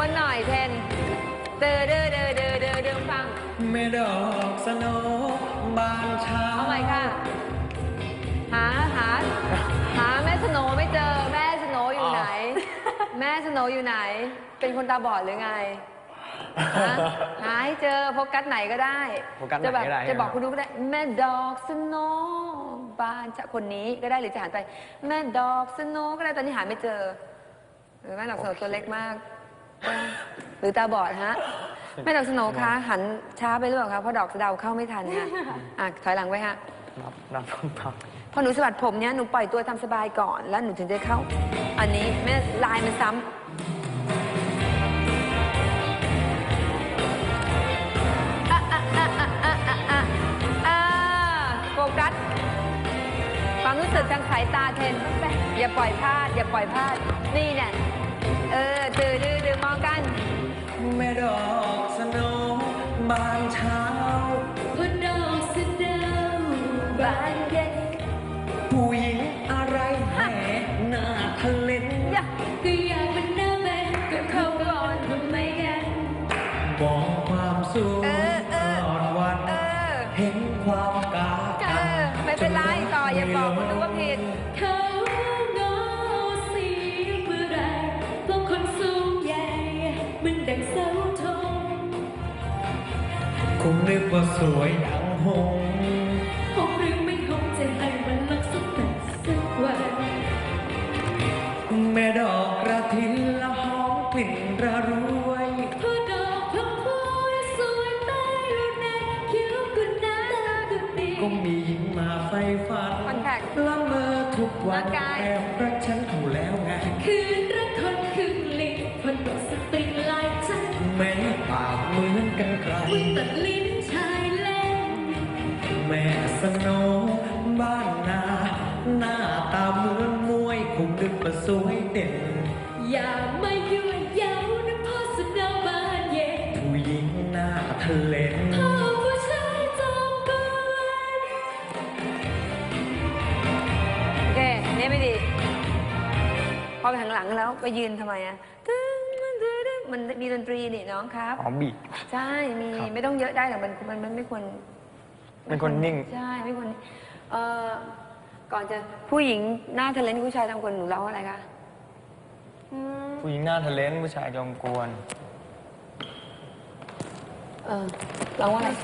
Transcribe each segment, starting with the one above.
นหน่อยเทนเดินฟังแม่ดอกสโนบานเช้าเอาใหม่ค่ะหาแม่สโนไม่เจอแม่สโนอยู่ไหน แม่สโนอยู่ไหน เป็นคนตาบอดหรือไงหาให้เจอโฟกัสไหนก็ได้จะบอกคุณดูก็ได้แม่ดอกสโนบานจะคนนี้ก็ได้หรือจะหันไปแม่ดอกสโนก็ได้ตอนนี้หาไม่เจอหรือแม่ดอกสโนตัวเล็กมากหรือตาบอดฮะแม่ดอกสโนคะหันช้าไปหรือเปล่าคะเพราะดอกสะเดาเข้าไม่ทันค่ะถอยหลังไว้ฮะนับพอหนูสะบัดผมเนี้ยหนูปล่อยตัวทำสบายก่อนแล้วหนูถึงจะเข้าอันนี้แม่ลายมันซ้ำโฟกัสความรู้สึกทางสายตาเทนอย่าปล่อยพลาดนี่เนี่ยดื้อมองกันแม่ดอกสโนบานเช้าบนดอกสโนบานเย็นผู้หญิงอะไรแห่หน้าทะเลนก็อยากเป็นหน้าแม่ก็เข้าก่อนทำไมกันบอกความสูงอ่อนวันเห็นความกาไม่เป็นไรต่ออย่าบอกคุณดูว่าผิดเขาเงาสีเมื่อไรพวกคนสูงใหญ่มันดังเสาธงคงนึกว่าสวยดังหงหงหรือไม่หงจะให้มันลักสักแต่สักวันแม่ดอกกระถินละหอมกลิ่นระรวยพอดอกพงพวยสวยใต้ลูกแน่คิ้วกุนน้ากุนดีก็มีหญิงมาไฟฝันละเมอทุกวันแอบรักฉันเขาแล้วไงคืนรักคนคืนลิ้นคนตกสติลายใจแม้ปากเหมือนกันไกลตัดลิ้นชายเล่นแม่สโนบ้านนาหน้าตาเหมือนมวยคงนึกว่าสวยเด่นอย่ามายั่วเย้านะพ่อสโนบานเย็นผู้หญิงหน้าทะเลนพ่อผู้ชายจอมกวนโอเคนี่ไม่ดีพอไปข้างหลังแล้วไปยืนทำไมอะมันมีดนตรีนี่น้องครับบีใช่มีไม่ต้องเยอะได้หรอกมันไม่ควรเป็นคนนิ่งใช่ไม่ควรก่อนจะผู้หญิงหน้าทะเลนผู้ชายทำคนหนูร้องอะไรคะผู้หญิงหน้าทะเลนผู้ชายจอมกวนร้องว่าอะไร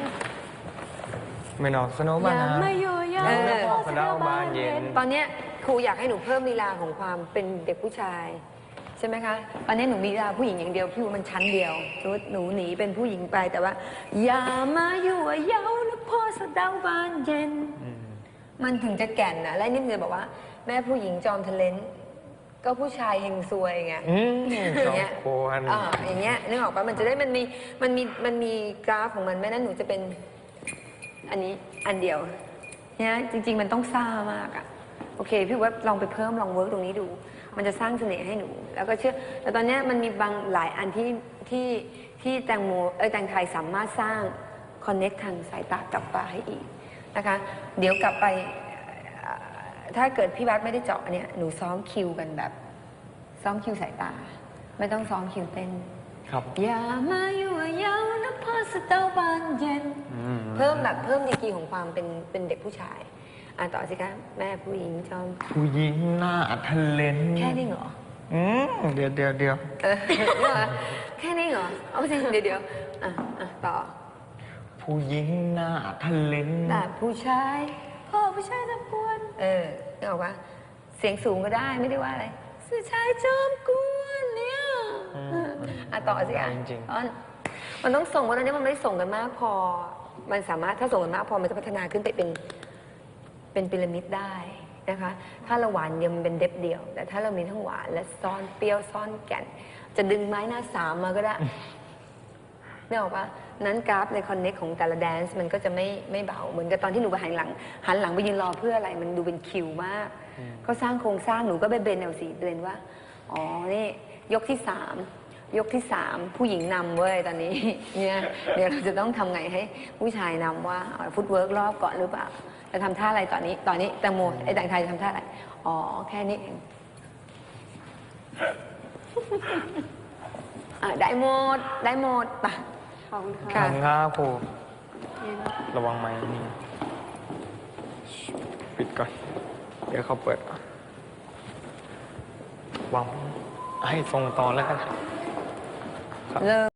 ไม่นอกสโนว์บ้านนะสโนว์บ้านเย็นตอนนี้ครูอยากให้หนูเพิ่มลีลาของความเป็นเด็กผู้ชายใช่ไหมคะตอนนี้หนูมีลีลาผู้หญิงอย่างเดียวพี่ว่ามันชั้นเดียวสมมติหนูหนีเป็นผู้หญิงไปแต่ว่าอย่ามายั่วเย้านะพ่อสะเดาบานเย็นมันถึงจะแก่นนะและนิ่มเลยบอกว่าแม่ผู้หญิงจอมทะเลนก็ผู้ชายเฮงซวยไงอย่างเงี้ยอย่างเงี้ยนึกออกปะมันจะได้มันมีกราฟของมันแม่นั้นหนูจะเป็นอันนี้อันเดียวเนี่ยจริงๆมันต้องซ่ามากอะโอเคพี่ว่าลองไปเพิ่มลองเวิร์กตรงนี้ดูมันจะสร้างเสน่ห์ให้หนูแล้วก็เชื่อแต่ตอนนี้มันมีบางหลายอันที่แตงไทยสามารถสร้างคอนเนคทางสายตากลับมาให้อีกนะคะเดี๋ยวกลับไปถ้าเกิดพี่บัสไม่ได้เจาะเนี่ยหนูซ้อมคิวกันแบบซ้อมคิวสายตาไม่ต้องซ้อมคิวเต้นครับอย่ามายั่วเย้านะพ่อสะเดาบานเย็นเพิ่มดีกรีของความเป็นเด็กผู้ชายต่อสิคะแม่ผู้หญิงจอมผู้หญิงหน้าทะเลนแค่นี้เหรอเดี๋ยวแค่นี้เหรอเอาสิเดี๋ยวต่อผู้หญิงหน้าทะเลนแต่ผู้ชายพ่อผู้ชายตะกวนนึกออกปะเสียงสูงก็ได้ไม่ได้ว่าอะไรผู้ชายจอมกวนเนี่ยต่อสิจริงมันต้องส่งวันนี้มันไม่ได้ส่งกันมากพอมันสามารถถ้าส่งกันมากพอมันจะพัฒนาขึ้นไปเป็นพีระมิดได้นะคะถ้าเราหวานเดียวมันเป็นเด็บเดียวแต่ถ้าเรามีทั้งหวานและซ่อนเปรี้ยวซ่อนแก่นจะดึงไม้หน้าสามมาก็ได้ไม่ออกปะนั้นกราฟในคอนเน็กของแต่ละแดนซ์มันก็จะไม่เบาเหมือนกับตอนที่หนูไปหันหลังไปยืนรอเพื่ออะไรมันดูเป็นคิวมากเขาสร้างโครงสร้างหนูก็ไปเบนเอาสิเบนว่าอ๋อนี่ยกที่3ผู้หญิงนำเว้ยตอนนี้เนี่ยเดี๋ยวเราจะต้องทำไงให้ผู้ชายนำว่าฟุตเวิร์กรอบก่อนหรือเปล่าจะทำท่าอะไรตอนนี้แตงโมแตงไทยจะทำท่าอะไรแค่นี้เองได้หมดได้หมดป่ะขอบคุณขค่ะอบคุณครับครูนี่นะระวังไม้นี่ปิดก่อน เดี๋ยวเขาเปิดวางให้ทรงตอนแล้วกันครับเริ่ม